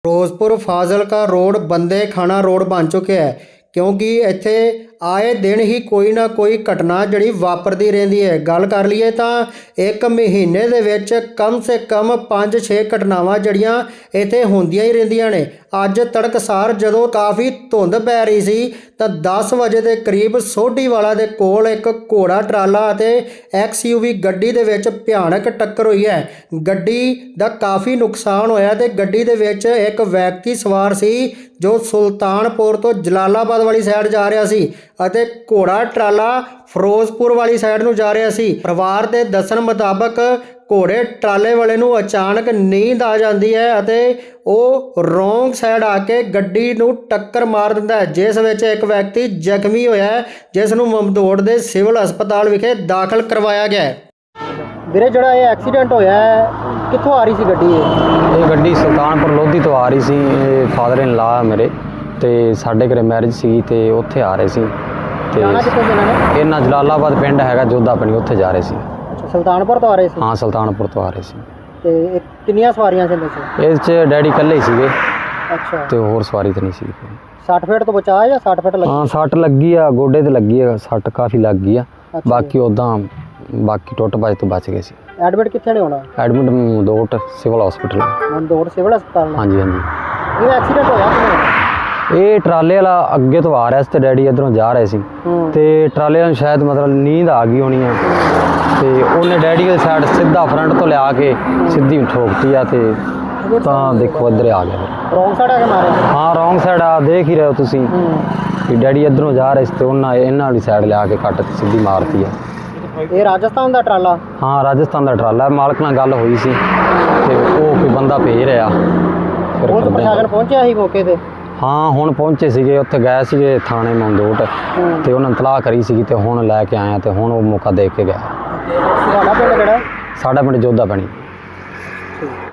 Firozpur Fazilka road ਬੰਦੇ ਖਾਣਾ road ਬਣ ਚੁੱਕਿਆ ਹੈ ਕਿਉਂਕਿ ਇੱਥੇ ਆਏ ਦਿਨ ਹੀ ਕੋਈ ਨਾ ਕੋਈ ਘਟਨਾ ਜਿਹੜੀ ਵਾਪਰਦੀ ਰਹਿੰਦੀ ਹੈ। ਗੱਲ ਕਰ ਲਈਏ ਤਾਂ ਇੱਕ ਮਹੀਨੇ ਦੇ ਵਿੱਚ ਕਮ ਸੇ ਕਮ 5-6 ਘਟਨਾਵਾਂ ਜਿਹੜੀਆਂ ਇੱਥੇ ਹੁੰਦੀਆਂ ਹੀ ਰਹਿੰਦੀਆਂ ਨੇ। ਅੱਜ ਤੜਕਸਾਰ ਜਦੋਂ ਕਾਫੀ ਧੁੰਦ ਪੈ ਰਹੀ ਸੀ ਤਾਂ 10 ਵਜੇ ਦੇ ਕਰੀਬ ਸੋਢੀਵਾਲਾ ਦੇ ਕੋਲ ਇੱਕ ਘੋੜਾ ਟਰਾਲਾ ਅਤੇ XUV ਗੱਡੀ ਦੇ ਵਿੱਚ ਭਿਆਨਕ ਟੱਕਰ ਹੋਈ ਹੈ। ਗੱਡੀ ਦਾ ਕਾਫੀ ਨੁਕਸਾਨ ਹੋਇਆ ਤੇ ਗੱਡੀ ਦੇ ਵਿੱਚ ਇੱਕ ਵਿਅਕਤੀ ਸਵਾਰ ਸੀ ਜੋ ਸੁਲਤਾਨਪੁਰ ਤੋਂ ਜਲਾਲਾਬਾਦ ਵਾਲੀ ਸਾਈਡ ਜਾ ਰਿਹਾ ਸੀ ਅਤੇ ਘੋੜਾ ਟਰਾਲਾ ਫਿਰੋਜ਼ਪੁਰ ਵਾਲੀ ਸਾਈਡ ਨੂੰ ਜਾ ਰਿਹਾ ਸੀ। ਪਰਿਵਾਰ ਦੇ ਦੱਸਣ ਮੁਤਾਬਕ ਘੋੜੇ ਟਰਾਲੇ ਵਾਲੇ ਨੂੰ ਅਚਾਨਕ ਨੀਂਦ ਆ ਜਾਂਦੀ ਹੈ ਅਤੇ ਉਹ ਰੋਂਗ ਸਾਈਡ ਆ ਕੇ ਗੱਡੀ ਨੂੰ ਟੱਕਰ ਮਾਰ ਦਿੰਦਾ ਹੈ, ਜਿਸ ਵਿੱਚ ਇੱਕ ਵਿਅਕਤੀ ਜ਼ਖਮੀ ਹੋਇਆ ਹੈ, ਜਿਸ ਨੂੰ ਮਮਦੋੜ ਦੇ ਸਿਵਲ ਹਸਪਤਾਲ ਵਿਖੇ ਦਾਖਲ ਕਰਵਾਇਆ ਗਿਆ ਹੈ। ਵੀਰੇ, ਜਿਹੜਾ ਇਹ ਐਕਸੀਡੈਂਟ ਹੋਇਆ ਹੈ ਕਿੱਥੋਂ ਆ ਰਹੀ ਸੀ ਗੱਡੀ? ਇਹ ਗੱਡੀ ਸੁਲਤਾਨਪੁਰ ਲੋਧੀ ਤੋਂ ਆ ਰਹੀ ਸੀ। ਇਹ ਫਾਦਰ ਇਨ ਲਾ ਮੇਰੇ ਤੇ ਸਾਡੇ ਘਰੇ ਮੈਰਿਜ ਸੀ ਤੇ ਉੱਥੇ ਆ ਰਹੇ ਸੀ ਤੇ ਇਹਨਾਂ ਜਲਾਲਾਬਾਦ ਪਿੰਡ ਹੈਗਾ ਜੋਧਾ ਆਪਣੀ, ਉੱਥੇ ਜਾ ਰਹੇ ਸੀ। ਸੁਲਤਾਨਪੁਰ ਤੋਂ ਆ ਰਹੇ ਸੀ? ਹਾਂ, ਸੁਲਤਾਨਪੁਰ ਤੋਂ ਆ ਰਹੇ ਸੀ। ਤੇ ਕਿੰਨੀਆਂ ਸਵਾਰੀਆਂ ਸੀ ਇਹਦੇ ਇਸ 'ਚ ਡੈਡੀ ਇਕੱਲੇ ਹੀ ਸੀਗੇ। ਅੱਛਾ। ਤੇ ਹੋਰ ਸਵਾਰੀ ਤਾਂ ਨਹੀਂ ਸੀ। 60 ਫੀਟ ਤੋਂ ਬਚਾ ਜਾਂ 60 ਫੀਟ ਲੱਗੀ? ਹਾਂ, ਸੱਟ ਲੱਗੀ ਆ, ਗੋਡੇ ਤੇ ਲੱਗੀ ਆ, ਸੱਟ ਕਾਫੀ ਲੱਗ ਗਈ ਆ। ਬਾਕੀ ਉੱਦਾਂ ਬਾਕੀ ਟੁੱਟ ਭੱਜ ਤੋਂ ਬਚ ਗਏ ਸੀ। ਐਡਮਿਟ ਕਿੱਥੇ ਨੇ ਹੋਣਾ? Admit Mamdot civil hospital. Mamdot civil ਹਸਪਤਾਲ? ਹਾਂਜੀ ਹਾਂਜੀ। ਇਹ ਐਕਸੀਡੈਂਟ ਹੋਇਆ ਕਿਵੇਂ? ਇਹ ਟਰਾਲੇ ਵਾਲਾ ਅੱਗੇ ਤੋਂ ਆ ਰਿਹਾ ਸੀ ਤੇ ਡੈਡੀ ਇੱਧਰੋਂ ਜਾ ਰਹੇ ਸੀ ਤੇ ਟਰਾਲੇ ਵਾਲੇ ਨੂੰ ਸ਼ਾਇਦ ਮਤਲਬ ਨੀਂਦ ਆ ਗਈ ਹੋਣੀ ਆ ਤੇ ਉਹਨੇ ਡੈਡੀ ਦੀ ਸਾਈਡ ਸਿੱਧਾ ਫਰੰਟ ਤੋਂ ਲਿਆ ਕੇ ਸਿੱਧੀ ਠੋਕਤੀ ਆ ਤੇ ਤਾਂ ਦੇਖੋ ਇੱਧਰ ਆ ਗਿਆ। ਰੋਂਗ ਸਾਈਡ ਆ ਕੇ ਮਾਰਿਆ? ਹਾਂ, ਰੋਂਗ ਸਾਈਡ ਆ, ਦੇਖ ਹੀ ਰਹੇ ਹੋ ਤੁਸੀਂ ਕਿ ਡੈਡੀ ਇੱਧਰੋਂ ਜਾ ਰਹੇ ਸੀ ਤੇ ਇਹਨਾਂ ਵਾਲੀ ਸਾਈਡ ਲਿਆ ਕੇ ਕੱਟ ਤੇ ਸਿੱਧੀ ਮਾਰਤੀ ਆ। ਇਹ ਰਾਜਸਥਾਨ ਦਾ ਟਰਾਲਾ? ਹਾਂ, ਰਾਜਸਥਾਨ ਦਾ ਟਰਾਲਾ। ਮਾਲਕ ਨਾਲ ਗੱਲ ਹੋਈ ਸੀ ਤੇ ਉਹ ਕੋਈ ਬੰਦਾ ਭੇਜ ਰਿਹਾ। ਫਿਰ ਪ੍ਰਸ਼ਾਸਨ ਪਹੁੰਚਿਆ ਸੀ ਮੌਕੇ ਤੇ? ਹਾਂ, ਹੁਣ ਪਹੁੰਚੇ ਸੀਗੇ, ਉੱਥੇ ਗਏ ਸੀਗੇ ਥਾਣੇ ਮਮਦੋਟ ਤੇ ਉਹਨਾਂ ਨੇ ਤਲਾਹ ਕਰੀ ਸੀਗੀ ਤੇ ਹੁਣ ਲੈ ਕੇ ਆਇਆ ਤੇ ਹੁਣ ਉਹ ਮੌਕਾ ਦੇਖ ਕੇ ਗਿਆ। ਤੁਹਾਡਾ ਪਿੰਡ ਕਿਹੜਾ? ਸਾਡਾ ਪਿੰਡ ਜੋਧਾ ਬਣੀ।